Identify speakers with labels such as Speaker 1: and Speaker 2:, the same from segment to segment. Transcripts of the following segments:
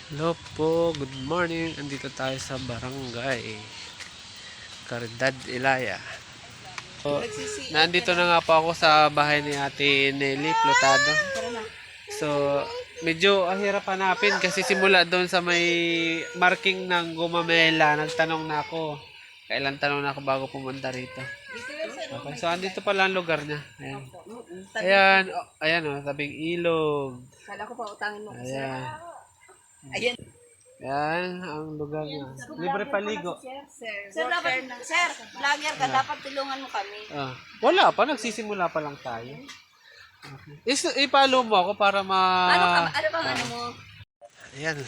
Speaker 1: Hello po, good morning. Andito tayo sa barangay Caridad, Ilaya. So, nandito na nga po ako sa bahay ni Ate Nelly Plotado. So, medyo hirap hanapin kasi simula doon sa may marking ng Gumamela, nagtanong na ako. Kailan tanong na ako bago pumunta rito. Okay, so andito pala ang lugar niya. Ayan. Ayan, ayan oh, tabing ilog.
Speaker 2: Kala ko pa utangin mo.
Speaker 1: Ayan.
Speaker 2: Ayan.
Speaker 1: Yan ang lugar niya. Libre paligo.
Speaker 2: Sir, dapat, sir, vlogger ka, dapat tulungan mo kami.
Speaker 1: Ah, wala pa, nagsisimula pa lang tayo. Okay. Ipalo mo ako para
Speaker 2: Ano bang ano mo?
Speaker 1: Ayan.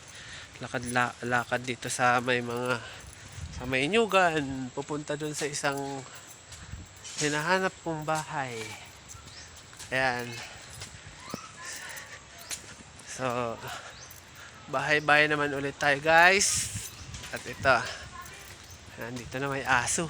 Speaker 1: Lakad dito sa may inyugan. Pupunta dun sa isang hinahanap kong bahay. Ayan. So, bahay-bahay naman ulit tayo, guys. At ito, nandito na may aso.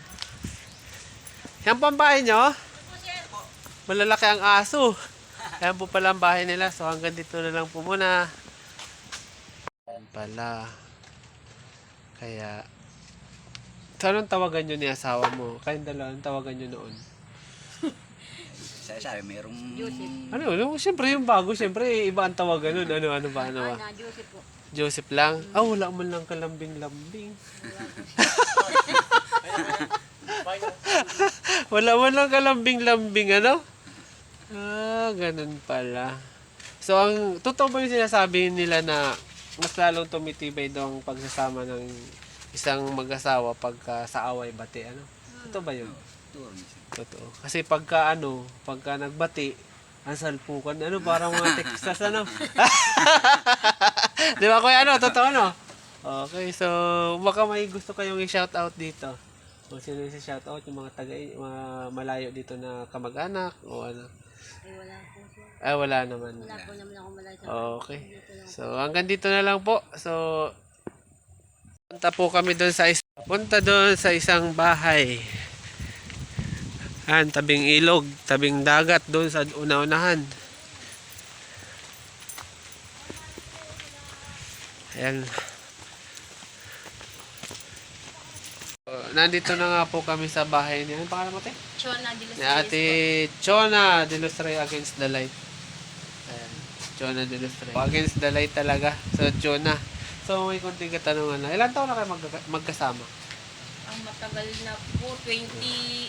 Speaker 1: Yan po ang bahay nyo? Malalaki ang aso. Yan po pala ang bahay nila. So hanggang dito na lang po muna. Yan pala. Kaya, so anong tawagan nyo ni asawa mo? Kayong dalawa, anong tawagan nyo noon?
Speaker 3: Sabi, mayroong...
Speaker 1: Ano, siyempre yung bago, siyempre iba ang tawagan nun. Ano ba?
Speaker 2: Joseph po.
Speaker 1: Joseph lang? Wala man lang kalambing-lambing. Wala man lang kalambing-lambing, ano? Ganun pala. So, ang totoo ba yung sinasabi nila na mas lalong tumitibay daw ang pagsasama ng isang mag-asawa pagka sa away bati, ano? Totoo ba yun? Totoo. Kasi pagka nagbati, ang salpukan, parang mga Texas, ano? Di ba, kuya, totoo, no? Okay, so, baka may gusto kayong i-shoutout dito. Kung sino yung shoutout, yung mga mga malayo dito na kamag-anak, o ano?
Speaker 2: Ay, wala po sir.
Speaker 1: Wala naman.
Speaker 2: Wala po naman ako malayo.
Speaker 1: Okay. So, hanggang dito na lang po. So, punta doon sa isang bahay. Tabing ilog, tabing dagat doon sa una-unahan. Ayan. Nandito na nga po kami sa bahay niya. Ano pangalan mo, te?
Speaker 2: Chona de los
Speaker 1: Ni Ate Chona de los Reyes Against the Light. Ayan. Chona de los Reyes. Against the Light talaga. So, Chona. So, may konting katanungan na. Ilan taon na kayo magkasama?
Speaker 2: Ang matagal na po, 25.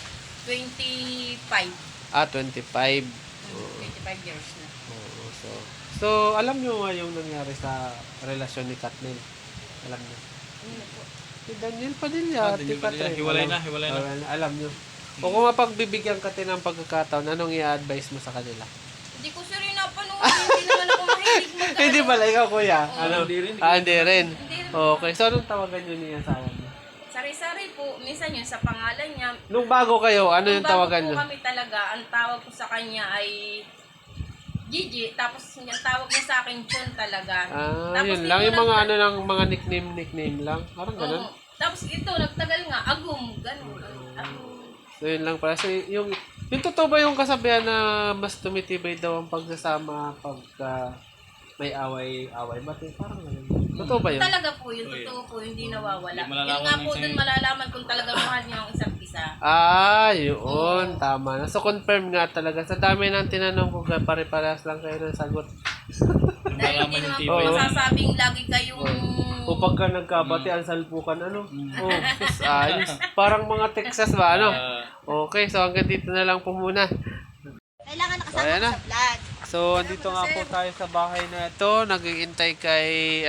Speaker 1: 25.
Speaker 2: 25 years na.
Speaker 1: Oo, so, alam nyo nga yung nangyari sa relasyon ni Katnil. Alam nyo.
Speaker 2: Ano na po?
Speaker 1: Si Daniel Padilla,
Speaker 3: Daniel
Speaker 1: Ate
Speaker 3: Padilla,
Speaker 1: Katrin.
Speaker 3: hiwalay na.
Speaker 1: Alam nyo. O kung mapagbibigyan ka ng pagkakataon, anong i-advise mo sa kanila?
Speaker 2: Hindi ko sir yung napanood. Hindi naman ako mahilig mag-
Speaker 1: Hindi pala, ikaw kuya.
Speaker 3: Hindi rin.
Speaker 1: Hindi rin.
Speaker 2: Hindi rin.
Speaker 1: Okay, so anong tawagan nyo niya asawa mo?
Speaker 2: Sari-sari po. Minsan yun sa pangalan niya.
Speaker 1: Nung bago kayo, ano yung
Speaker 2: Nung bago
Speaker 1: tawagan
Speaker 2: po
Speaker 1: nyo?
Speaker 2: kami talaga, ang tawag ko sa kanya ay Gigi, tapos yung tawag niya sa akin Chon talaga. Tapos
Speaker 1: Yun lang.
Speaker 2: ito
Speaker 1: Yung mga
Speaker 2: nagta-
Speaker 1: mga nickname lang. Parang ganun.
Speaker 2: Oo. Tapos ito, nagtagal nga, Agum, ganun. Agum.
Speaker 1: So yun lang pala. So yung totoo ba yung kasabihan na mas tumitibay daw ang pagsasama pagka may away bati? Parang ganun. Totoo ba yun?
Speaker 2: Talaga po, yun totoo po, hindi nawawala.
Speaker 3: Hindi malalaman
Speaker 2: Yun nga po
Speaker 3: minsan
Speaker 2: dun malalaman kung talaga mahal niya ang isa't isa.
Speaker 1: Yun. Tama na. So confirm nga talaga. Sa dami ng tinanong ko, pare-parehas lang kayo ng sagot.
Speaker 2: Dahil hindi naman po
Speaker 1: tibay.
Speaker 2: masasabing lagi kayong...
Speaker 1: O pagka nagkabati, ang salpukan, sus, ayos. Parang mga Texas ba, Okay, so hanggang dito na lang po muna.
Speaker 2: Kailangan
Speaker 1: So, ayan na.
Speaker 2: sa vlog.
Speaker 1: So, andito nga po tayo sa bahay na ito. Nag-iintay kay,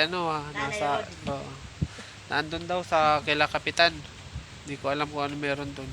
Speaker 1: nandun daw sa kila Kapitan. Hindi ko alam kung ano meron dun.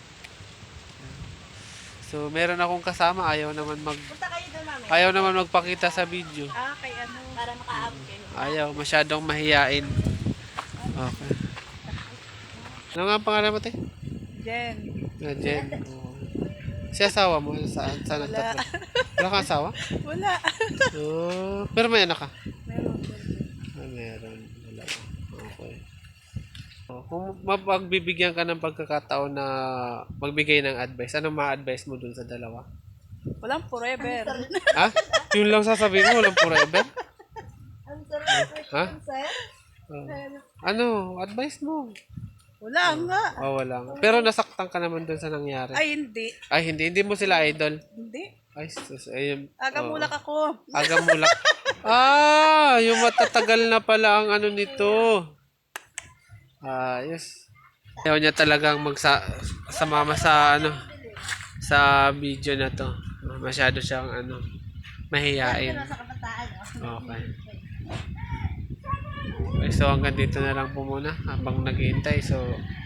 Speaker 1: So, meron akong kasama.
Speaker 2: Punta kayo doon, mami.
Speaker 1: Ayaw naman magpakita sa video.
Speaker 2: Kay ano? Para makaabot kayo.
Speaker 1: Ayaw, masyadong mahiyain. Okay. Ano nga ang pangalan mo, te?
Speaker 2: Jen.
Speaker 1: Jen. Oo. Si asawa mo, saan nagtatapos? Wala kang asawa?
Speaker 2: Wala.
Speaker 1: Pero may anak ka?
Speaker 2: Meron.
Speaker 1: Meron. Wala. Okay. Kung mapagbibigyan ka ng pagkakataon na magbigay ng advice, anong ma-advise mo dun sa dalawa?
Speaker 2: Walang forever.
Speaker 1: Ha? Yun lang sasabihin mo, walang forever? Ha? Oh. Ano? Advice mo?
Speaker 3: Wala nga.
Speaker 1: Oh, wala. Pero nasaktan ka naman dun sa nangyari.
Speaker 3: Ay, hindi.
Speaker 1: Ay, hindi. Hindi mo sila idol.
Speaker 3: Hindi.
Speaker 1: Ay, sus. Ayun.
Speaker 3: Agamulak ako.
Speaker 1: Aga mulak. Yung matatagal na pala ang ano nito. Yes. Ayaw niya talagang sumama sa ano sa video na to. Masyado siyang mahiyain. Okay. Okay, so hanggang dito na lang po muna habang naghihintay. So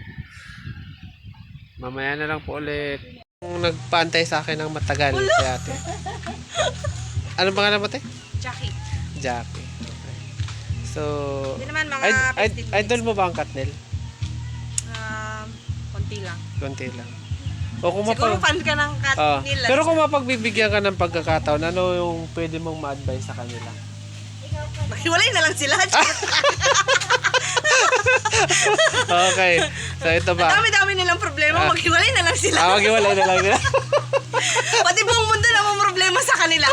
Speaker 1: mamaya na lang po ulit. Kung nagpantay sa akin ng matagal si ate. Ano pangalan mo, te?
Speaker 3: Jackie.
Speaker 1: Jackie. Okay. So,
Speaker 3: Hindi naman mga 15 minutes.
Speaker 1: idol mo ba ang Katnel?
Speaker 3: Konti lang.
Speaker 1: Konti lang. O kung
Speaker 3: Siguro fan ka ng cat nila.
Speaker 1: pero kung mapagbibigyan ka ng pagkakataon, ano yung pwede mong ma-advise sa kanila?
Speaker 3: Maghiwalay na lang sila.
Speaker 1: Okay. So, ito
Speaker 3: Ang
Speaker 1: ba?
Speaker 3: dami-dami nilang problema. Maghiwalay na lang sila.
Speaker 1: Maghiwalay na lang nila.
Speaker 3: Pati buong mundo na may problema sa kanila.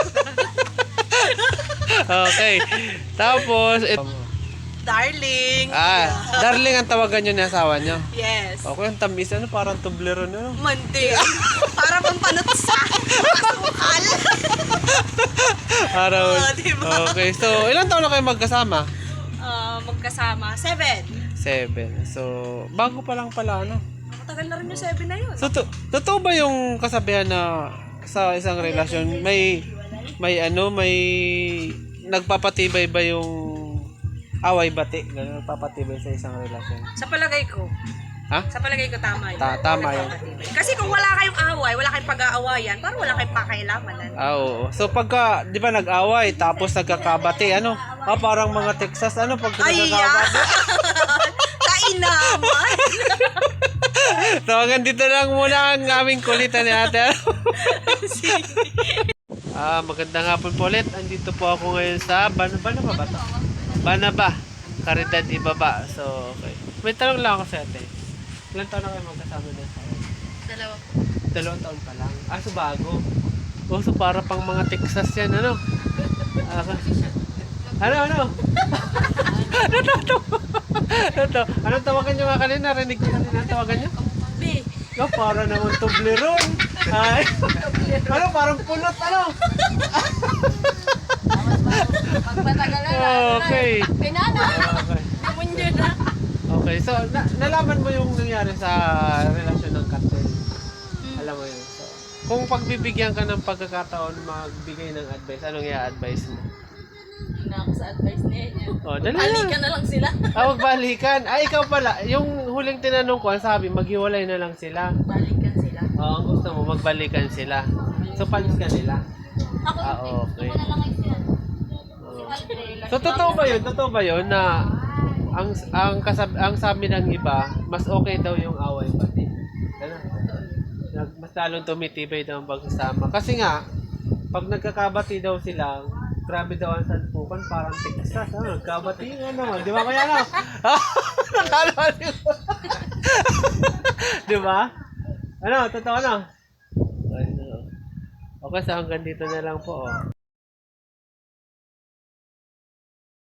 Speaker 1: Okay. Tapos,
Speaker 3: Darling.
Speaker 1: darling ang tawagan nyo ni asawa nyo.
Speaker 3: Yes.
Speaker 1: Okay, ang tamis. Ano, parang tublero nyo.
Speaker 3: Mante. Para pang panutsa. Masukal.
Speaker 1: Araw.
Speaker 3: Diba?
Speaker 1: Okay, so, ilang taon na kayo magkasama?
Speaker 3: Magkasama. 7.
Speaker 1: 7. So, bago pa lang pala, ano?
Speaker 3: Matagal na rin yung 7 na yun.
Speaker 1: So, totoo ba yung kasabihan na sa isang relasyon, may nagpapatibay ba yung away bati? Ganun, nagpapatibay sa isang relasyon.
Speaker 3: Sa palagay ko.
Speaker 1: Ha?
Speaker 3: Sa palagay ko tama yun.
Speaker 1: Tama yun.
Speaker 3: Kasi kung wala kayong away, wala kayong pag-aawayan, parang wala kayong pakailaman.
Speaker 1: Oo. So, pagka, di ba nag-away, tapos nagkakabati, ano? Parang mga Texas, ano? Pagka nagkakabati.
Speaker 3: Kainaman.
Speaker 1: So, hanggang dito lang muna ang aming kulitan ni ate. Magandang hapon po ulit. Andito po ako ngayon sa Banaba ba to? Banaba, Caridad Ibaba. So, okay. May tanong lang ako sa ate. Ilan taon na kayo magkasama din sa akin?
Speaker 3: 2.
Speaker 1: 2 taon pa lang. So bago. So para pang mga Texas yan, ano? Ano? Anong tawagan nyo nga kanina? Rinig ko kanina ang tawagan nyo?
Speaker 3: B.
Speaker 1: Para naman tubleron. Ay. Ano, parang pulot, ano?
Speaker 2: Pagpatagal na
Speaker 1: Okay.
Speaker 2: Pinana.
Speaker 1: Okay.
Speaker 2: Namunyo na.
Speaker 1: Okay, so nalaman mo yung nangyari sa relasyon ng Katnel. Alam mo yun. So, kung pagbibigyan ka ng pagkakataon magbigay ng advice, anong i-advise mo?
Speaker 2: Na ako sa advice niya.
Speaker 1: Dali
Speaker 2: Balikan na lang sila.
Speaker 1: Magbalikan. Ikaw pala. Yung huling tinanong ko, ang sabi, maghiwalay na lang sila.
Speaker 2: Balikan sila.
Speaker 1: Ang gusto mo, magbalikan sila. So, panis ka nila?
Speaker 2: Ako,
Speaker 1: Okay.
Speaker 2: ako na lang ay sila.
Speaker 1: So, totoo ba yun na ang sabi ng iba, mas okay daw yung away pati. Mas lalong tumitibay daw ang pagsasama. Kasi nga, pag nagkakabati daw sila, grabe daw ang sanpukan, parang Texas. Nagkabati nga naman. Di ba kaya no? Di ba? Ano? Totoo na? Okay, so hanggang dito na lang po.